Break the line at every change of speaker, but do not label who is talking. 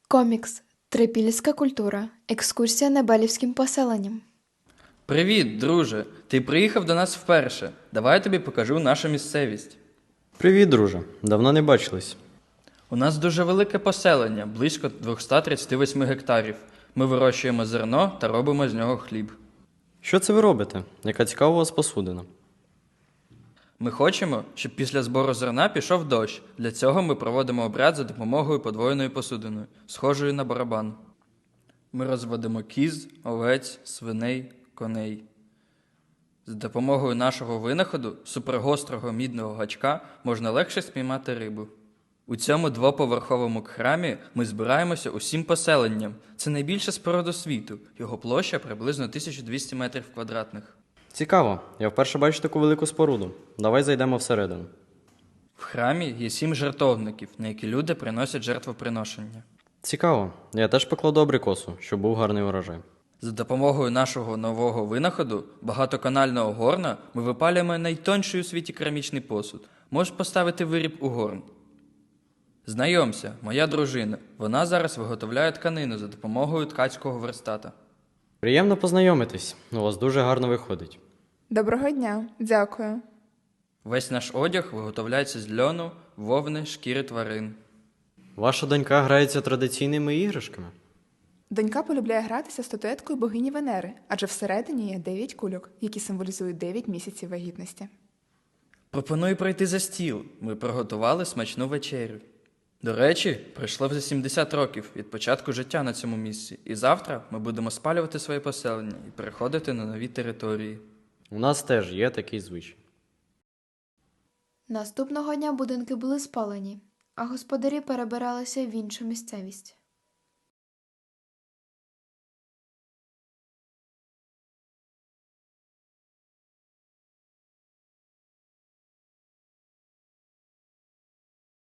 Комікс. Трипільська культура. Екскурсія Небелівським поселенням.
Привіт, друже! Ти приїхав до нас вперше. Давай я тобі покажу нашу місцевість.
Привіт, друже. Давно не бачились.
У нас дуже велике поселення, близько 238 гектарів. Ми вирощуємо зерно та робимо з нього хліб.
Що це ви робите? Яка цікава у вас посудина?
Ми хочемо, щоб після збору зерна пішов дощ. Для цього ми проводимо обряд за допомогою подвоєної посудини, схожої на барабан. Ми розводимо кіз, овець, свиней, коней. За допомогою нашого винаходу, супергострого мідного гачка, можна легше спіймати рибу. У цьому двоповерховому храмі ми збираємося усім поселенням. Це найбільша споруда світу. Його площа приблизно 1200 метрів квадратних.
Цікаво. Я вперше бачу таку велику споруду. Давай зайдемо всередину.
В храмі є 7 жертовників, на які люди приносять жертвоприношення.
Цікаво. Я теж покладу абрикосу, щоб був гарний урожай.
За допомогою нашого нового винаходу, багатоканального горна, ми випалюємо найтонший у світі керамічний посуд. Можеш поставити виріб у горн. Знайомся, моя дружина. Вона зараз виготовляє тканину за допомогою ткацького верстата.
Приємно познайомитись. У вас дуже гарно виходить.
Доброго дня, дякую.
Весь наш одяг виготовляється з льону, вовни, шкіри тварин.
Ваша донька грається традиційними іграшками?
Донька полюбляє гратися статуеткою богині Венери, адже всередині є 9 кульок, які символізують 9 місяців вагітності.
Пропоную пройти за стіл. Ми приготували смачну вечерю. До речі, пройшло вже 70 років від початку життя на цьому місці, і завтра ми будемо спалювати своє поселення і переходити на нові території.
У нас теж є такий звичай.
Наступного дня будинки були спалені, а господарі перебиралися в іншу місцевість.